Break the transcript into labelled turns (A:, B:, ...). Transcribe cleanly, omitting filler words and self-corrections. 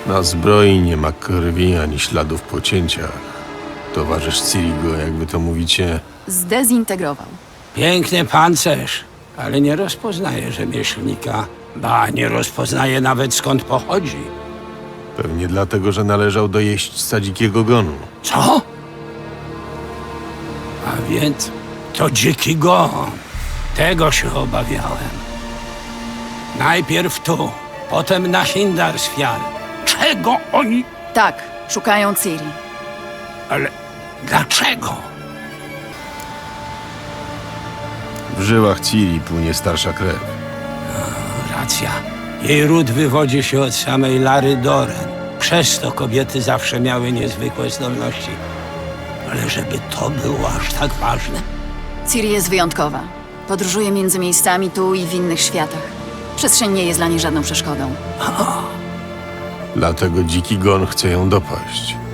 A: Na zbroi nie ma krwi ani śladów po cięciach. Towarzysz Cirigo, jak wy to mówicie,
B: Zdezintegrował.
C: Piękny pancerz, ale nie rozpoznaje rzemieślnika. Ba, nie rozpoznaje nawet skąd pochodzi.
A: pewnie dlatego, że należał do jeźdźca dzikiego gonu.
C: Co? A więc to dziki gon. Tego się obawiałem. Najpierw tu, potem na Hindarsfjall. Czego oni...
B: Tak, szukają Ciri.
C: Ale dlaczego?
A: W żyłach Ciri płynie starsza krew.
C: Racja. Jej ród wywodzi się od samej Lary Doren. Przez to kobiety zawsze miały niezwykłe zdolności. Ale żeby to było aż tak ważne?
B: Ciri jest wyjątkowa. Podróżuje między miejscami tu i w innych światach. Przestrzeń nie jest dla niej żadną przeszkodą.
A: Dlatego dziki gon chce ją dopaść.